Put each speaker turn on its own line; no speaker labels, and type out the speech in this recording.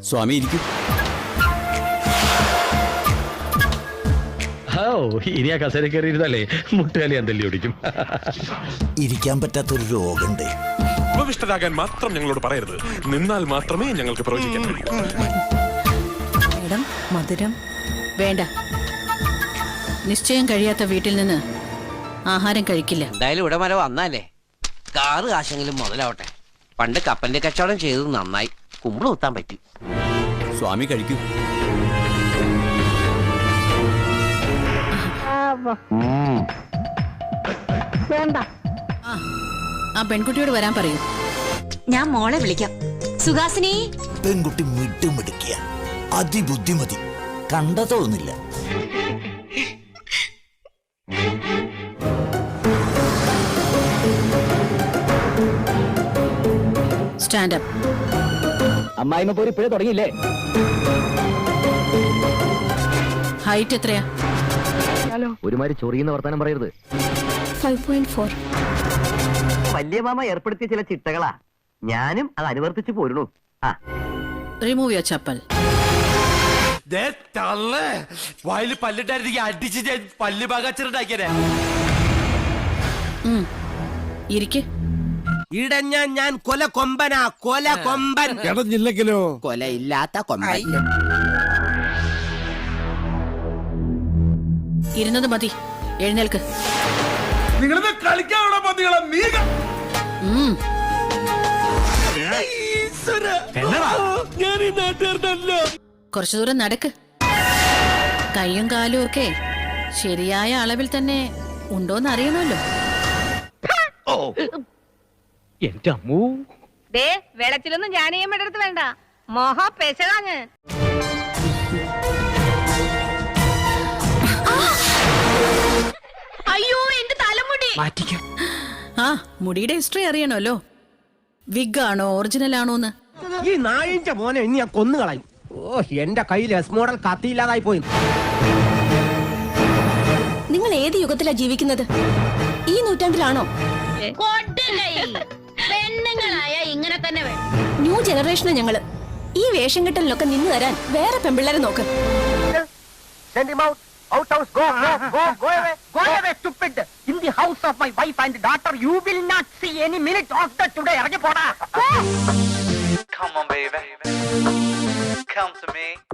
സ്വാമി ഇരിക്കും.
ഇനി ആ കസേര കയറിയിരുന്നല്ലേ മുട്ടുകാലി അന്തല്ലി ഓടിക്കും.
ഇരിക്കാൻ പറ്റാത്തൊരു രോഗമുണ്ട്.
ഉപവിഷ്ടരാകാൻ മാത്രം ഞങ്ങളോട് പറയരുത്. നിന്നാൽ മാത്രമേ ഞങ്ങൾക്ക് പ്രവചിക്കാൻ കഴിയൂ.
മേഡം, മധുരം വേണ്ട. നിശ്ചയം കഴിയാത്ത വീട്ടിൽ നിന്ന് ആഹാരം കഴിക്കില്ല.
എന്തായാലും ഇവിടെ വരെ വന്നാലേ കാറ് കാശെങ്കിലും മുതലാവട്ടെ. പണ്ട് കപ്പലിന്റെ കച്ചവടം ചെയ്തത് നന്നായി. കുമ്പിള് കുത്താൻ പറ്റി.
സ്വാമി കഴിക്കൂ.
ആ പെൺകുട്ടിയോട് വരാൻ പറയൂ.
ഞാൻ മോളെ വിളിക്കാം. സുഹാസിനി.
പെൺകുട്ടി മിടുമിടുക്കിയ, അതിബുദ്ധിമതി, കണ്ട തോന്നില്ല.
സ്റ്റാൻഡപ്പ്.
അമ്മായിമ്മ പോരി ഇപ്പോഴേ തുടങ്ങിയില്ലേ?
ഹൈറ്റ് എത്രയാ?
ഒരുമാതിരി ചൊറിയുന്ന വർത്താനം പറയരുത്.
5.4.
വലിയ മാമ ഏർപ്പെടുത്തിയ ചില ചിട്ടകളാ. ഞാനും അത് അനുവർത്തിച്ചു പോരണു.
Remove your chappal.
വായില് പല്ലിട്ടായിരുന്നെങ്കിൽ അടിച്ച് ഞാൻ പല്ല് പാകാച്ചിട്ടുണ്ടാക്കിയേ.
ഇരിക്ക്.
ഇടഞ്ഞ ഞാൻ കൊല കൊമ്പനാ, കൊല കൊമ്പൻ.
ഇടഞ്ഞില്ലെങ്കിലോ?
കൊലയില്ലാത്ത കൊമ്പൻ.
ഇരുന്നത് മതി, എഴുന്നേൽക്ക്. കുറച്ചു ദൂരം നടക്ക്. കൈയും കാലും ഒക്കെ ശരിയായ അളവിൽ തന്നെ ഉണ്ടോന്ന് അറിയണമല്ലോ.
എന്റെ അമ്മൂ.
വെള്ളത്തിലൊന്നും ഞാനേയും എടുത്ത് വേണ്ട. മോഹ പെശകാഞ്ഞ്. അയ്യോ, എന്റെ തലമുടി.
ആ, മുടിയുടെ ഹിസ്റ്ററി അറിയണമല്ലോ. വിഗ് ആണോ ഒറിജിനൽ ആണോന്ന്.
ഈ നായിന്റെ മോനെ ഇനി ഞാൻ കൊന്നുകളയും. ഓ, എന്റെ കയ്യിൽ എസ് മോഡൽ കത്തിയില്ലാതായി പോയി.
നിങ്ങൾ ഏത് യുഗത്തിലാ ജീവിക്കുന്നത്? ഈ നൂറ്റാണ്ടിലാണോ?
പെണ്ണുങ്ങളായ ഇങ്ങനെ തന്നെ വേണം.
ന്യൂ ജനറേഷനാ ഞങ്ങള്. ഈ വേഷം കെട്ടലിനൊക്കെ നിന്ന് തരാൻ വേറെ പെൺപിള്ളേരെ നോക്ക്.
In the house of my wife and daughter, you will not see any minute of that today. Come on, baby. Come to me.